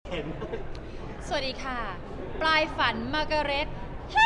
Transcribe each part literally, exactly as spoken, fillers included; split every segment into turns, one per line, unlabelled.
เห็น
สวัสดีค่ะปลายฝันมาร์กาเร็ต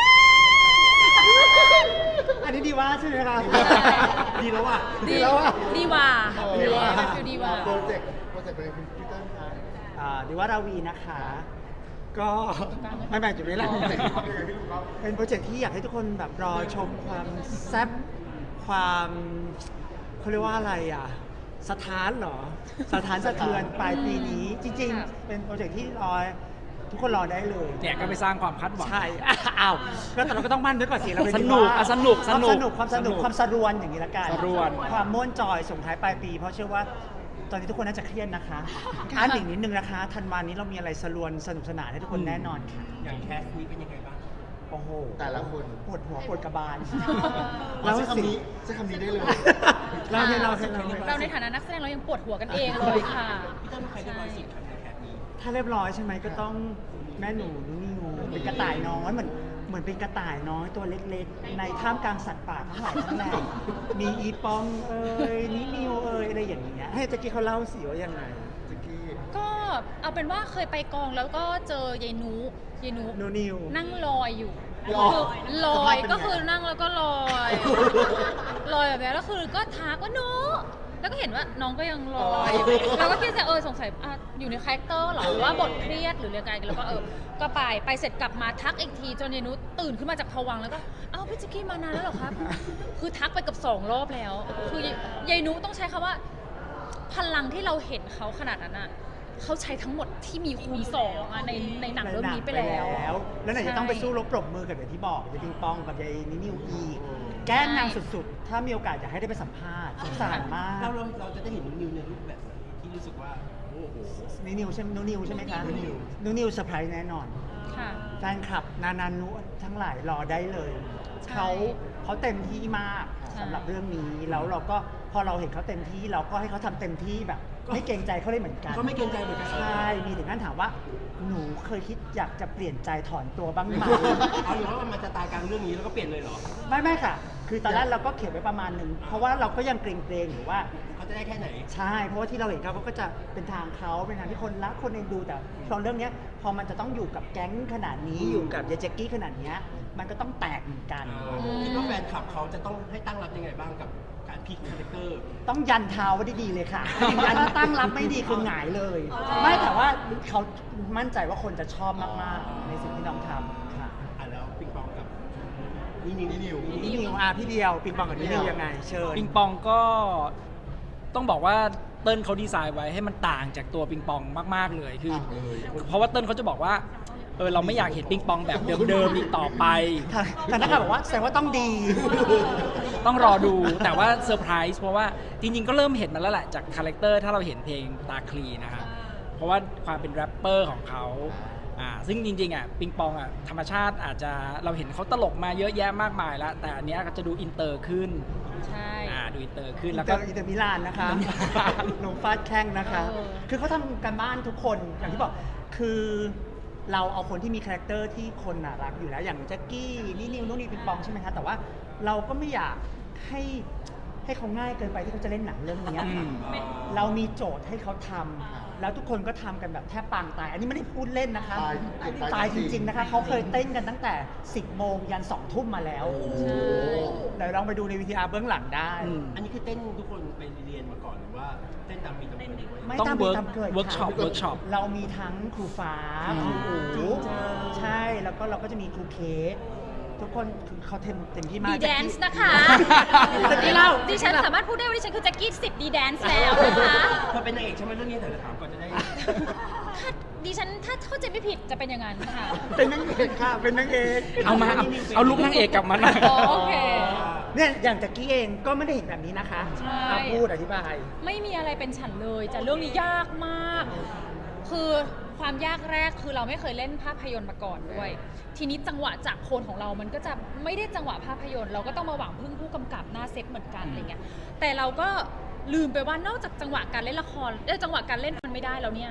อันนี้ดีว่าใช่ไหมคะดีแล้วว่ะ
ดีแล้วอ่ะดีว่า
ดีว่า
ฟิลดีว่า
โปรเจกต์โปรเจกต์เป็นคุณพีเตอร์คะ
อ่าดีว่าราวีนะคะ ก็ไม่แบ่งจุดนี้แหละเป็นโปรเจกต์ที่อยากให้ทุกคนแบบรอชมความแซ่บความเขาเรียกว่าอะไรอ่ะสถานเหรอสถานสะเทือนปลายปีนี้จริงๆเป็นโปรเจกต์ที่รอทุกคนรอได้เลย
เนี่ยก็ไปสร้างความคาดหวัง
ใช่อ้าวก็แต่เราก็ต้องมั่นด้วยก่อนสิเราเป็น
สนุกอ่ะสนุก
ความ
ส
ส
นุ
นุ
ก
กความสนุกความสรวนอย่างนี้ละกัน
สรวน
ความม่วนจอยส่งท้ายปลายปี เพราะเชื่อว่าตอนนี้ทุกคนน่าจะเครียดนะคะอ่านอีกนิดนึงนะคะธันวานี้เรามีอะไรสรวนสนุกสนานให้ทุกคนแน่นอนค่ะ
อย่างแคสนี้เป็นยังไงบ้าง
โอ้โห
แต่ละคน
ปวดหัวปวดกระบาล
เราใช้คำนี้ใช้คำนี้ได้เลย
เราให้เราให้เรา
เราในฐานะนักแสดงเรายังปวดหัวกันเองเลยค่ะ
พี่ต้นใครได้บอยสิทธิ์ครับในแคสนี้
ถ้าเรียบร้อยใช่ไหมก็ต้องแม่หนูนุ่นิวเป็นกระต่ายน้อยเหมือนเหมือนเป็นกระต่ายน้อยตัวเล็กๆ ในท่ามกลางสัตว์ป่าทั้งหลายทั้งแหล่มีอีปองเอ่ยนินิวเอ่ยอะไรอย่างเงี้ยให้ตะกี้เขาเล่าสิว่ายังไง
จิกกี้
ก็เอาเป็นว่าเคยไปกองแล้วก็เจอยายนุยายนุ
นูนิว
นั่งลอยอยู่
ลอย
คือลอยก็คือนั่งแล้วก็ลอยลอยแบบนี้แล้วคือก็ทักว่านุแล้วก็เห็นว่าน้องก็ยังลอยอยู่เราก็คิดจะเออสงสัยอ่ะอยู่ในคาแรคเตอร์หรอหรือว่าบทเครียดหรือเรื่องอะไรแล้วก็เออก็ไปไปเสร็จกลับมาทักอีกทีจนยายนุตื่นขึ้นมาจากภวังค์แล้วก็เอ้าพี่จิกกี้มานานแล้วเหรอครับ คือทักไปกับสองรอบแล้ว คือยายนุต้องใช้คำว่าพลังที่เราเห็นเขาขนาดนั้นอ่ะเขาใช้ทั้งหมดที่มีคูณสองอะในในหนังเรื่องนี้ไปแล้ว
แล้วไหนจะต้องไปสู้รบปรบมือกับอย่างที่บอกยายปิงปองกับยายนินิวอีกแก้นางสุดๆ ถ้ามีโอกาสอยากให้ได้ไปสัมภาษณ์สงสารมาก
เราเราเราจะได้เห็นนิวในรูปแบบไหนที่รู้สึกว่าโอ้โห
นินิวใช่ไหมนูนิวใช่ไหมคะ
นูนิว
นูนิวเซอร์ไพรส์แน่นอน
ค่ะ
แฟนคลับนานานุทั้งหลายรอได้เลย
ใช่
เขาเขาเต็มที่มาก
ใช่
สำหรับเรื่องนี้แล้วเราก็พอเราเห็นเขาเต็มที่เราก็ให้เขาทำเต็มที่แบบ ไม่เกรงใจเขาเลยเหมือนกัน
ก็ไม่เกรงใจเหมือนกัน
ใช่มีถึงขั้นถามว่า หนูเคยคิดอยากจะเปลี่ยนใจถอนตัวบ้างไหม
เอาอยู่ว่ามันจะตายกลางเรื่องนี้แล้วก็เปลี่ยนเลยเหรอ
ไม่ไม่ค่ะ คือตอนแรกเราก็เขียนไว้ประมาณหนึ่งเพราะว่าเราก็ยังเกรงเกรงๆอยู่ว่า
เขาจะได้แค่ไหน
ใช่ เพราะว่าที่เราเห็นเขาเขาก็จะเป็นทางเขาเป็นทางที่คนรักคนเอ็นดูแต่ตอนเรื่องเนี้ยพอมันจะต้องอยู่กับแก๊งขนาดนี้อยู่กับยายแจ็กกี้ขนาดเนี้ยมันก็ต้องแตกเหมือนกัน
คิดว่าแฟนคลับเขาจะต้องให้ตั้งรับยังไงบ้างกับการพลิกคาแรคเตอร์
ต้องยันเท้าไว้ดีๆเลยค่ะถ้าตั้งรับไม่ดีคือหงายเลย ไม่แต่ว่าเขามั่นใจว่าคนจะชอบมากๆในสิ่งที่น้องทำค่ะ
อ่ะแล้วปิงปองกับนี่นิว
นี่นิว
นี่นิวอาพี่เดียวปิงปองกับนี่นิวยังไงเชิญ
ปิงปองก็ต้องบอกว่าเติ้ลเขาดีไซน์ไว้ให้มันต่างจากตัวปิงปองมากๆเลยคือ
ต่างเลย
เพราะว่าเติ้ลเขาจะบอกว่าเออเราไม่อยากเห็นปิงปองแบบเดิมๆอีกต่อไป
แต่นักข่าวบอกว่าแสดงว่าต้องดี
ต้องรอดูแต่ว่าเซอร์ไพรส์เพราะว่าจริงๆก็เริ่มเห็นมาแล้วแหละจากคาแรคเตอร์ถ้าเราเห็นเพลงตาคลีนะครับเพราะว่าความเป็นแรปเปอร์ของเขาอ่าซึ่งจริงๆอ่ะปิงปองอ่ะธรรมชาติอาจจะเราเห็นเขาตลกมาเยอะแยะมากมายแล้วแต่อันเนี้ยก็จะดูอินเตอร์ขึ้น
ใช่
อ่าดูอินเตอร์ขึ้น
อิ
แล้ว
นเต
ก็
อร์อินเตอร์มิลานนะคะ
อินเตอร์มิลาน
ลงฟาดแข้งนะคะ
เออ
คือเขาทำกันบ้านทุกคนอย่างที่บอก คือเราเอาคนที่มีคาแรคเตอร์ที่คนน่ะรักอยู่แล้วอย่างแจ็คกี้นี่นิวนู่นนี่ปิงปองใช่ไหมคะแต่ว่าเราก็ไม่อยากให้ให้เขาง่ายเกินไปที่เขาจะเล่นหนังเรื่องเนี้ย
อืม
เรามีโจทย์ให้เขาทำแล้วทุกคนก็ทำกันแบบแทบปางตาย อันนี้ไม่ได้พูดเล่นนะคะ
ตาย
ตายจริง ๆนะคะเขาเคยเต้นกันตั้งแต่สิบโมงยันสองทุ่มมาแล้ว
ใช่
เดี๋ยวลองไปดูในวีทีอาร์เบื้องหลังได้
อืม
อันนี้คือเต้นทุกคนไปเรียนมาก่อนหรือว่าเต้นตามมีตามเกิดไว้
ไม่
ต้อง
ตามมี
work
ตามเกิด
workshop
ค่ะ
workshop
เรามีทั้งครูฟ้า
อืม
ครูอู๋ใช่ แล้วก็เราก็จะมีครูเคสทุกคนคือเขาเต็มเต็มที่มาก
ดีแดนซ์นะคะ
ตะกี้เล่า
ดิฉันสามารถพูดได้ว่าดิฉันคือแจ็คกี้สิบดีแดนซ์แล้วนะคะ
เธอเป็นนางเอกใช่ไหมเรื่องนี้แต่ละถามก่อนจะได้
ถ้าดิฉันถ้าเข้าใจไม่ผิดจะเป็นอย่างนั้นค่ะ
เป็นนางเอกค่ะ เป็นนางเอก
เอามาเอาเอาลุกนางเอกกลับมาหน่อย
อ๋อโอเค
เนี่ยอย่างตะกี้เองก็ไม่ได้เห็นแบบนี้นะคะ
ใช่
อ่ะพูดอธิบาย
ไม่มีอะไรเป็นฉันเลยแต่เรื่องนี้ยากมาก คือความยากแรกคือเราไม่เคยเล่นภาพยนตร์มาก่อนด้วย ทีนี้จังหวะจากโคนของเรามันก็จะไม่ได้จังหวะภาพยนตร์เราก็ต้องมาหวังพึ่งผู้กำกับหน้าเซ็ตเหมือนกันอะไรเงี้ย แต่เราก็ลืมไปว่านอกจากจังหวะการเล่นละครเอ้ยจังหวะการเล่นมันไม่ได้แล้วเนี่ย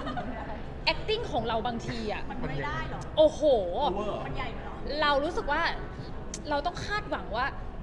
acting ของเราบางทีอ่ะมันไม่ได้หรอโอ้โห
Over
เรารู้สึกว่าเราต้องคาดหวังว่า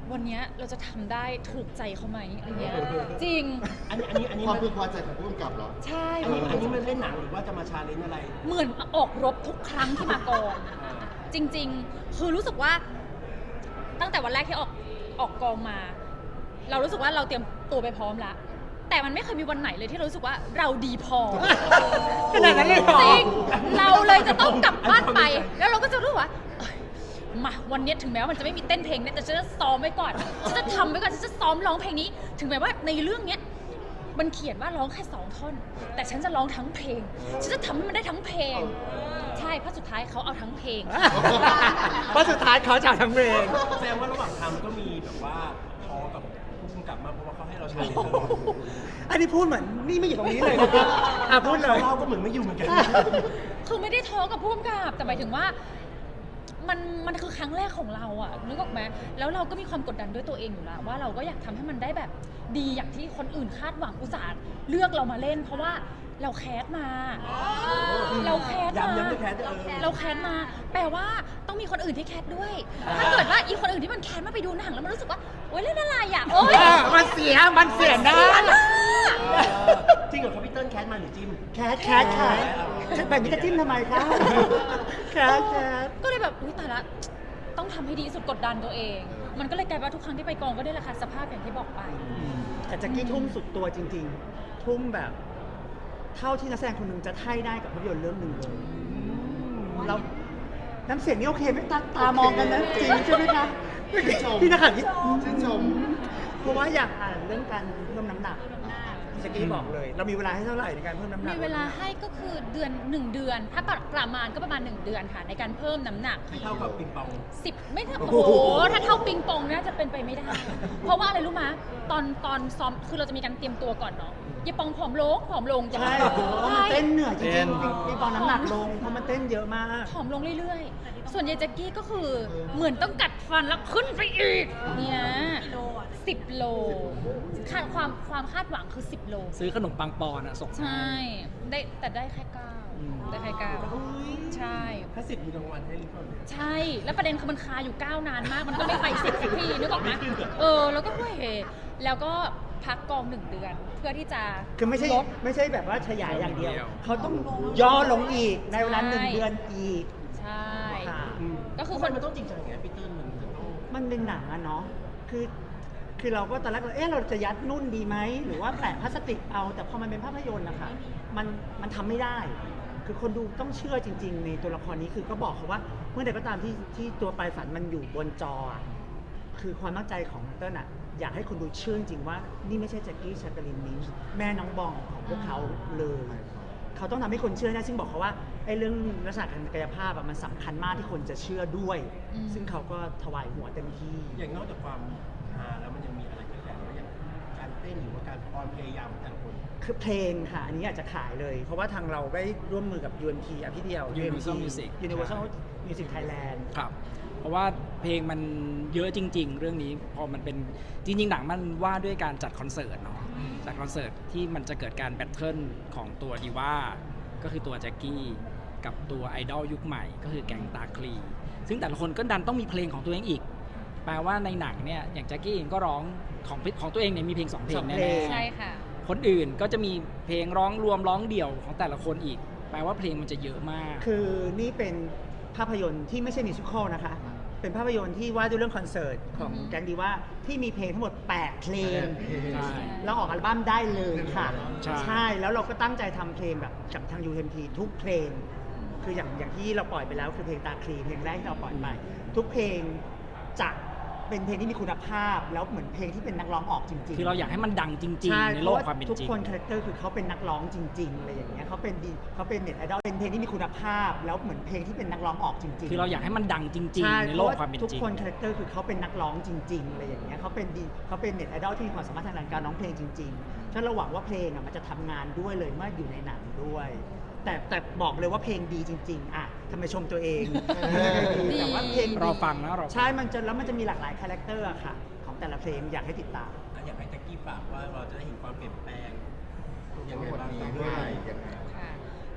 วันเนี้ยเราจะทำได้ถูกใจเขาไหมอะไรเงี้ยจริง
อันนี้อันนี้อันนี้
ความ
มัน
พึงพอใจของผู้กำกับเหรอ
ใช่
อันนี้อันนี้มันเล่นหนังหรือว่าจะมาชาเลนจ์อะไร
เหมือนออกรบทุกครั้งที่มากอง จริงๆ คือรู้สึกว่าตั้งแต่วันแรกที่ออกออกกองมา เรารู้สึกว่าเราเตรียมตัวไปพร้อมแล้ว แต่มันไม่เคยมีวันไหนเลยที่เรารู้สึกว่าเราดีพอ
ขนาดนั้นเลยเหรอ
จริง เราเลยจะต้องกลับบ้านไป แล้วเราก็จะรู้ว่าเอ้ยมาวันเนี้ยถึงแม้ว่ามันจะไม่มีเต้นเพลงเนี่ยแต่ฉันจะซ้อมไว้ก่อนฉันจะทำไว้ก่อนฉันจะซ้อมร้องเพลงนี้ ถึงแม้ว่าในเรื่องเนี้ยมันเขียนว่าร้องแค่สองท่อน แต่ฉันจะร้องทั้งเพลง ฉันจะทำให้มันได้ทั้งเพลง ใช่เพราะสุดท้ายเขาเอาทั้งเพลง
เพราะสุดท้ายเขาจะเอาทั้งเพลง
แสดงว่าระหว่างทำก็มีแบบว่าทอกับผู้กำกับมาเพราะว่าเขาให้เราชาเลนจ์ตลอด
อันนี้พูดเหมือนนี่ไม่อยู่ตรงนี้เลยนะครับอ่ะพูดเลย
เราก็เหมือนไม่อยู่เหมือนกัน
คือไม่ได้ท้อกับผู้กำกับแต่หมายถึงว่ามันมันคือครั้งแรกของเราอะนึกออกไหมแล้วเราก็มีความกดดันด้วยตัวเองอยู่แล้วว่าเราก็อยากทำให้มันได้แบบดีอย่างที่คนอื่นคาดหวังอุตส่าห์เลือกเรามาเล่น เพราะว่าเราแคสมา เราแคสมา
ย้ำย้ำด้วยแคสเออ
เราแคสมา แปลว่าต้องมีคนอื่นที่แคสด้วย ถ้าเกิดว่าอีคนอื่นที่มันแคสมาไปดูหนังแล้วมันรู้สึกว่าโอ๊ยเล่นอะไรอะโอ๊ย
เออมันเสีย มันเสียหน้า
จริงเหรอครับพี่เติ้ลแคสมาหรือจิม
แคทแคทแคทแบบนี้จะจิ้มทำไมคะแคทแคท
ก็เลยแบบอุ้ยตายละต้องทำให้ดีที่สุดกดดันตัวเอง มันก็เลยกลายเป็นว่าทุกครั้งที่ไปกองก็ได้ราคาสภาพอย่างที่บอกไป
แต่แจ็คกี้ทุ่มสุดตัวจริง ๆ ทุ่มแบบ เท่าที่นักแสดงคนหนึ่งจะให้ได้กับภาพยนตร์เรื่องหนึ่งเลยแล้วน้ำเสียงนี่โอเคไหมตาตามองกันนะจริงใช่ไหมคะ
ชื่นชม
พี่นักข่าวนี่
ชื่นชม
เพราะว่าอยากอ่านเรื่องการเพิ่มน้ำหนักพี่แจ็คกี้บอกเลย เรามีเวลาให้เท่าไหร่ในการเพิ่มน้ำหนัก
มีเวลาให้ก็คือเดือนหนึ่งเดือน ถ้าประมาณก็ประมาณหนึ่งเดือนค่ะในการเพิ่มน้ำหนัก
ไม่เท่ากับปิงปอง
สิบไม่เท่าโอ้โหถ้าเท่าปิงปองน่าจะเป็นไปไม่ได้ เพราะว่าอะไรรู้มะตอนตอนซ้อมคือเราจะมีการเตรียมตัวก่อนเนาะอย่าปองผอมลงผอมลงจะ
ใช่เพราะมันเต้นเหนื่อยจริงๆพี่ปองน้ำหนักลงเพราะมันเต้นเยอะมาก
ผอมลงเรื่อยๆ ส่วนยายแจ็กกี้ก็คือเหมือนต้องกัดฟันแล้วขึ้นไปอีกเนี่ยสิบโลคาดความความคาดหวังคือสิบโล
ซื้อขนมปังปอนอะส่ง
ใช่ ได้แต่ได้แค่เก้าได้แค่เก้าใช่
ถ้าสิบมีรางวัลให้หรือเปล่า
ใช่ แล้วประเด็นคือมันคาอยู่เก้านานมาก มันก็ไม่ไปสิบสักทีนึกออกไหมเออ แล้วก็เฮ้ยแล้วก็พักกองหนึ่งเดือน เพื่อที่จะ
คือไม่ใช่
ลด
ไม่ใช่แบบว่าขยายอย่างเดียว เขาต้องย่อลงอีกในเวลาหนึ่งเดือนอีก
ใช่
ค่ะ
ก็คือ
ทำ
ค
ไม
น
มันต้องจริงจังอย่างเงี้ยพี่เติ้ลมันจะต้อง
มันเป็นหนังอะเนาะ คือ คือเราก็ตอนแรกเราเอ๊ะเราจะยัดนุ่นดีไหม หรือว่าแปะพลาสติกเอา แต่พอมันเป็นภาพยนตร์นะคะมัน มันทำไม่ได้ คือคนดูต้องเชื่อจริง ๆ ในตัวละครนี้ คือก็บอกเขาว่า เมื่อใดก็ตามที่ที่ตัวปลายฝันมันอยู่บนจออะคือความตั้งใจของเติ้ลอะอยากให้คนดูเชื่อจริงว่า นี่ไม่ใช่แจ็คกี้ชาตาลินมินช์แม่น้องบองของพวกเขาเลย เขาต้องทำให้คนเชื่อนะซึ่งบอกเขาว่าไอ้เรื่องลักษณะทางกายภาพอะมันสำคัญมากที่คนจะเชื่อด้วย
อืม
ซึ่งเขาก็ถวายหัวเต็มที่
อย่างนอกจากความฮาแล้วมันยังมีอะไรแฝงๆอย่างการเต้นหรือว่าการออนพยายามของแต่ละคน
คือเพลงค่ะ อันนี้อาจจะขายเลย เพราะว่าทางเราได้ร่วมมือกับ ยู เอ็ม ที อ่ะพี่เดียว
Universal Music
Universal Music Thailand
ครับ เพราะว่าเพลงมันเยอะจริง ๆ เรื่องนี้พอมันเป็นจริง ๆ หนังมันว่าด้วยการจัดคอนเสิร์ตเนาะจัดคอนเสิร์ตที่มันจะเกิดการแบทเทิลของตัวดีว่าก็คือตัวแจ็คกี้กับตัวไอดอลยุคใหม่ ก็คือแก๊งตาคลี ซึ่งแต่ละคนก็ดันต้องมีเพลงของตัวเองอีก แปลว่าในหนังเนี่ยอย่างแจ็คกี้เองก็ร้องของของตัวเองเนี่ยมีเพลงสองเพลง
สอง
แน่
เพลง
ใช่ค่ะ
ๆคนอื่นก็จะมีเพลงร้องรวมร้องเดี่ยวของแต่ละคนอีก แปลว่าเพลงมันจะเยอะมาก
คือนี่เป็นภาพยนตร์ที่ไม่ใช่มิวสิควลนะคะ เป็นภาพยนตร์ที่ว่าด้วยเรื่องคอนเสิร์ตของ
อือฮึ
แก๊งดีว่าที่มีเพลงทั้งหมดแปดเพลง
ใช่
แล้วออกอัลบั้มได้เลยค่ะ
ใช่
แล้วเราก็ตั้งใจทำเพลงแบบกับทาง ยู เอ็ม ที ทุกเพลง คืออย่างอย่างที่เราปล่อยไปแล้วคือเพลงตาคลีเพลงแรกที่เราปล่อยไป ทุกเพลงจะเป็นเพลงที่มีคุณภาพ แล้วเหมือนเพลงที่เป็นนักร้องออกจริงๆ
คือเราอยากให้มันดังจริง
ช่
ๆ ในโลกความเป็น
ทุก
จริง
คนคาแรคเตอร์คือเขาเป็นนักร้องจริงๆอะไรอย่างเงี้ยเขาเป็นดีเขาเป็นเน็ตไอดอลเป็นเพลงที่มีคุณภาพ แล้วเหมือนเพลงที่เป็นนักร้องออกจริงๆ
คือเราอยากให้มันดังจริง
ช่
ๆ ในโลกความเป็น
ทุก
จริง
คนคาแรคเตอร์คือเขาเป็นนักร้องจริงๆอะไรอย่างเงี้ยเขาเป็นดีเขาเป็นเน็ตไอดอลที่มีความสามารถทางด้านการร้องเพลงจริงๆฉะนั้นเราหวังว่าเพลงอ่ะมันจะทำงานด้วยเลยเมื่ออยู่ในหนังด้วย แต่แต่บอกเลยว่าเพลงดีจริงๆอ่ะทำไมชมตัวเอง
ดี
แต่ว่าเพลงดี
รอฟังนะรอฟัง
ใช่มันจะแล้วมันจะมีหลากหลายคาแรคเตอร์อะค่ะของแต่ละเพลงอยากให้ติดตาม
อ่ะอยากให้แจ็คกี้ฝากว่าเราจะได้เห็นความเปลี่ยนแปลงยังไง
วัน
บ้าง
นี้
ครับ
เมื่อไหร่ยังไง
ค่ะ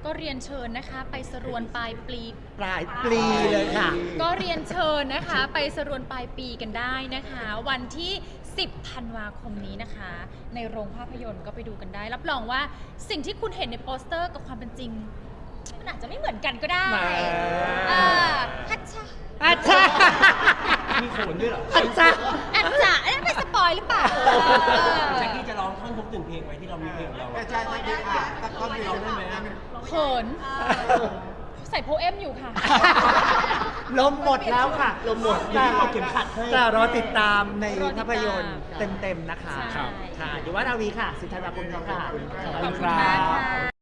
ก็เรียนเชิญนะคะไปสรวนปลายปี
ปลายปลีเลยค่ะ
ก็เรียนเชิญนะคะไปสรวนปลายปีกันได้นะคะ วันที่ สิบ ธันวาคมนี้นะคะ ในโรงภาพยนตร์ก็ไปดูกันได้ รับรองว่าสิ่งที่คุณเห็นในโปสเตอร์กับความเป็นจริง มันอาจจะไม่เหมือนกันก็ได้
แหม
อ่าฮัทชา
อาจารย์
มีโขนด้วยเหรอ
อาจารย์
อาจจะเอ๊ะไม่สปอยหรือเปล่า
แจ็คกี้จะร้องท่อนทุกหนึ่งเพลงไว้ที่เรามีเพลงของเราอะ
ใช่ใช่ใช่ค่ะสักท่อนเดียวได้ไหม
เขินใส่โพเอมอยู่ค่ะ
ลมหมดแล้วค่ะ
ลมหมด
แต่
เอาเข็มขัดให้
แต่รอติดตามใน
รอติดตาม
ภาพยนตร์เต็มๆนะคะ
ใช่
ครับ
ค่ะอยู่ว่านาวีค่ะ สิบธันวาคมนี้ค่ะ
ขอบคุณครั
มา
บ
ค่ะ